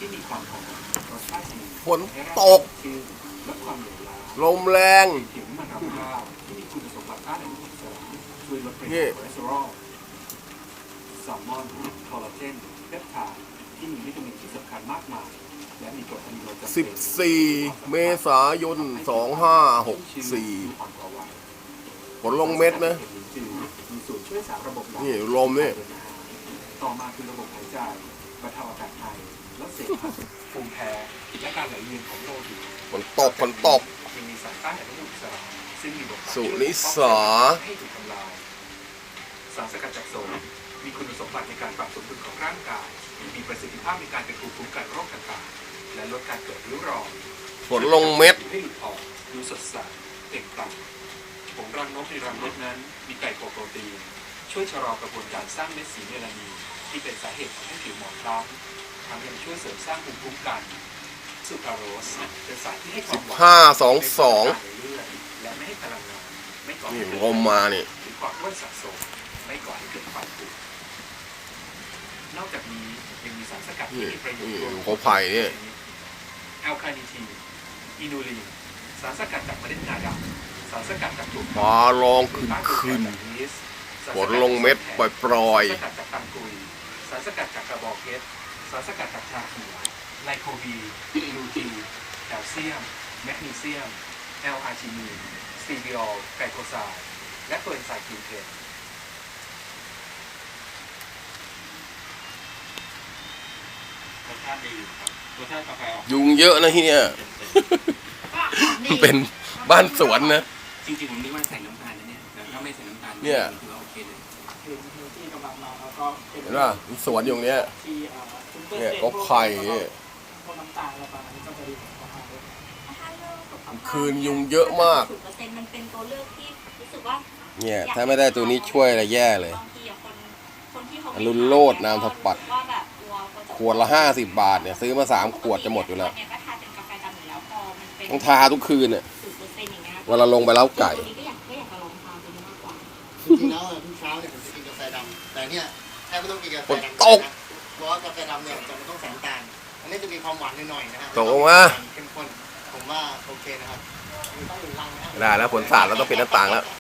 ที่มีความหอมรสชาติดีฝนตกชื่นลดความเหลวล้าลมแรงผิวมันรำข้าวที่มีคุณสมบัติต้านอนุมูลอิสระช่วยลดปรินี่มาณคอเลสเตอรอลแซลมอนคอลลาเจนเพปไทด์ที่มีวิตามินที่สำคัญมากมายและมีกรดอะมิโนจำเป็น 14 เมษายน 2564 ฝนลงเม็ดนะมีส่วนช่วยสารระบบหลั่งนี่ลมนี่ต่อมาคือระบบหายใจบรรเทาอาการไอลดเสมหะภูมิแพ้และการไหลเวียนของโลหิตฝนตกฝนตกยังมีสารต้านอนุมูลอิสระซึ่งมีบทบาทสุนิสาให้ถูกทำลายสารสกัดจากโซนมีคุณสมบัติในการปรับสมดุลของร่างกายมีประสิทธิภาพในการเป็นภูมิคุ้มกันโรคต่างๆและลดการเกิดริ้วรอยฝนลงเม็ดให้หลุดออกดูสดใสเปล่งปลั่งผงรังนกในรังนกนั้นมีไกลโคโปรตีนช่วยชะลอกระบวนการสร้างเม็ดสีเมลานินที่เป็นสาเหตุทำให้ผิวหมองคล้ำทั้งยังช่วยเสริมสร้างภูมิคุ้มกันซูคราโรสเป็นสารที่ให้ความหวาน 1522 และไม่ให้พลังงานไม่ก่อให้นี่เกิดลมมานี่หรือความอ้วนสะสมไม่ก่อให้เกิดความป่วยนอกจากนี้ยังมีสารสกัดที่มีประโยชน์ร่วมเขาไผ่เนี่ยแอลคาเนิทีนอินูลินสารสกัดจากเมล็ดงาดำสารสกัดจากถั่วฟ้าร้องขึ้นฝนลงเม็ดปล่อยสารสกัดจากตังกุยสารสกัดจากกระบอกเพชรสารสกัดจากชาเขียวไลโคบีลูทีนแคลเซียมแมกนีเซียมแอลอาร์จินีนสตีบิออลไกลโคไซด์และตัวเอนไซม์กินเทนรสชาติดีครับรสชาติกาแฟออกๆยุงเยอะนะที่เนี่ยมันเป็นบ้านสวนนะจริงๆผมนึกว่าใส่น้ำตาลนะเนี่ยแต่ถ้าไม่ใส่น้ำตาลเนี่ยถือว่าโอเคเลยคือที่กำลังมาแล้วก็เป็นเห็นป่ะมีสวนอยู่เนี้ยที่เนี่ยก็ไผ่เนี่ยพวกน้ำตาลอะไรประมาณนี้ก็จะดีของอาหารด้วยคืนยุงเยอะมาก 0%มันเป็นตัวเลือกที่รู้สึกว่าเนี่ยถ้าไม่ได้ตัวนี้ช่วยอะไรแย่เลยบางทีอะคนที่เขาอรุณโรจน์นามถปัตย์ว่าแบบกลัวเขาจะขวดละ50 บาทเนี่ยซื้อมา3 ขวดจะหมดอยู่แล้วเนี่ยก็ทานเป็นกาแฟดำอยู่แล้วพอมันเป็นต้องทาทุกคืนเนี่ย 0%อย่างเงี้ยเวลาลงไปเล้าไก่ตัวนี้ก็อยากจะลองทานตัวนี้มากกว่าจริงๆแล้วทุกเช้าเนี่ยผมจะกินกาแฟดำแต่เนี่ยแทบไม่ต้องกินกาแฟดำตกนะเพราะว่ากาแฟดำเนี่ยจะไม่ต้องใส่น้ำตาลอันนี้จะมีความหวานหน่อยๆนะฮะตกลงมาเข้มข้นผมว่าโอเคนะครับมีต้องหนึ่งลังนะฮะได้แล้วฝนสาดแล้วต้องปิดหน้าต่างแล้ว